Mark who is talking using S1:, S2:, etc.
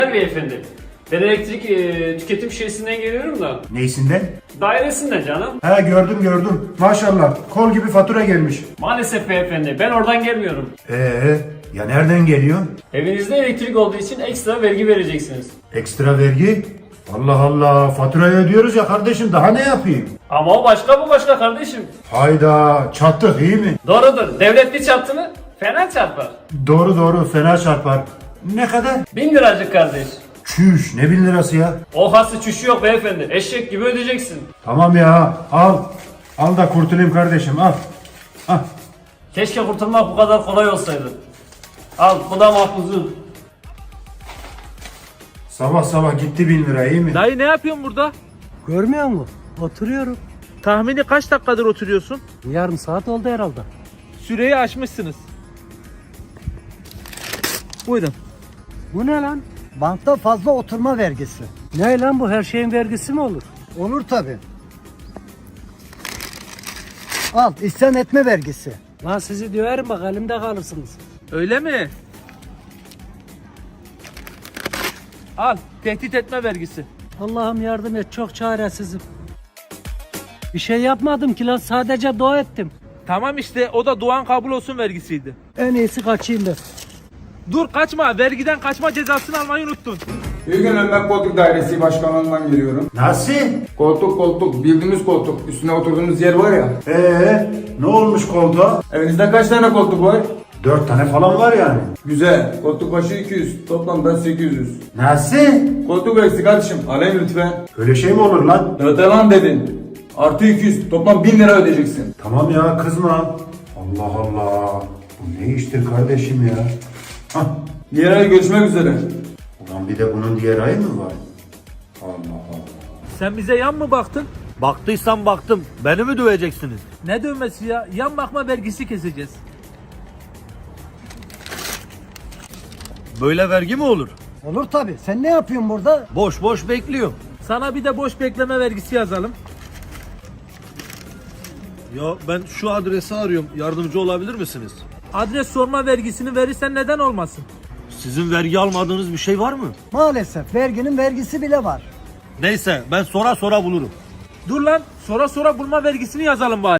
S1: Beyefendi, ben elektrik tüketim şişesinden geliyorum da.
S2: Neysinden?
S1: Dairesinden canım.
S2: Ha, gördüm. Maşallah. Kol gibi fatura gelmiş.
S1: Maalesef beyefendi, ben oradan gelmiyorum.
S2: Ya nereden geliyor?
S1: Evinizde elektrik olduğu için ekstra vergi vereceksiniz.
S2: Ekstra vergi? Allah Allah. Faturayı ödüyoruz ya kardeşim. Daha ne yapayım?
S1: Ama o başka, bu başka kardeşim.
S2: Hayda. Çattık, iyi mi?
S1: Doğrudur, devlet bir çarptı mı fena çarpar.
S2: Doğru. Fena çarpar. Ne kadar?
S1: 1000 liracık kardeş.
S2: Çüş. Ne 1000 lirası ya?
S1: O hası çüşü yok beyefendi, eşek gibi ödeyeceksin.
S2: Tamam ya. Al. Al da kurtulayım kardeşim. Al. Al.
S1: Keşke kurtulmak bu kadar kolay olsaydı. Al, bu da mahpuzun.
S2: Sabah gitti 1000 lira, iyi mi?
S3: Dayı ne yapıyorsun burada?
S4: Görmüyor musun? Oturuyorum.
S3: Tahmini kaç dakikadır oturuyorsun?
S4: Yarım saat oldu herhalde.
S3: Süreyi aşmışsınız. Buyurun.
S4: Bu ne lan? Bankta fazla oturma vergisi. Ne lan bu, her şeyin vergisi mi olur? Olur tabi. Al, isyan etme vergisi. Lan sizi döverim bak, elimde kalırsınız.
S3: Öyle mi? Al, tehdit etme vergisi.
S4: Allah'ım yardım et, çok çaresizim. Bir şey yapmadım ki lan, sadece dua ettim.
S3: Tamam işte, o da duan kabul olsun vergisiydi.
S4: En iyisi kaçayım ben.
S3: Dur kaçma, vergiden kaçma cezasını almayı unuttun.
S5: Bir gün Emlak Koltuk Dairesi Başkanlığından geliyorum.
S2: Nasıl?
S5: Koltuk, bildiğimiz koltuk. Üstüne oturduğumuz yer var ya.
S2: Ne olmuş koltuğa?
S5: Evinizde kaç tane koltuk var?
S2: 4 tane falan var yani.
S5: Güzel. Koltuk başı 200. Toplamda 800.
S2: Nasıl?
S5: Koltuk eksik kardeşim. Alayım lütfen.
S2: Öyle şey mi olur lan?
S5: Öde lan dedin. Artı 200. Toplam 1000 lira ödeyeceksin.
S2: Tamam ya, kızma. Allah Allah. Bu ne iştir kardeşim ya? Hah.
S5: Diğer ay görüşmek üzere.
S2: Ulan bir de bunun diğer ayı mı var? Allah Allah.
S3: Sen bize yan mı baktın?
S6: Baktıysam baktım. Beni mi döveceksiniz?
S3: Ne dövmesi ya? Yan bakma vergisi keseceğiz.
S6: Böyle vergi mi olur?
S4: Olur tabi. Sen ne yapıyorsun burada?
S6: Boş boş bekliyorum.
S3: Sana bir de boş bekleme vergisi yazalım.
S6: Ya ben şu adresi arıyorum. Yardımcı olabilir misiniz?
S3: Adres sorma vergisini verirsen neden olmasın?
S6: Sizin vergi almadığınız bir şey var mı?
S4: Maalesef verginin vergisi bile var.
S6: Neyse ben sonra bulurum.
S3: Dur lan, sonra bulma vergisini yazalım bari.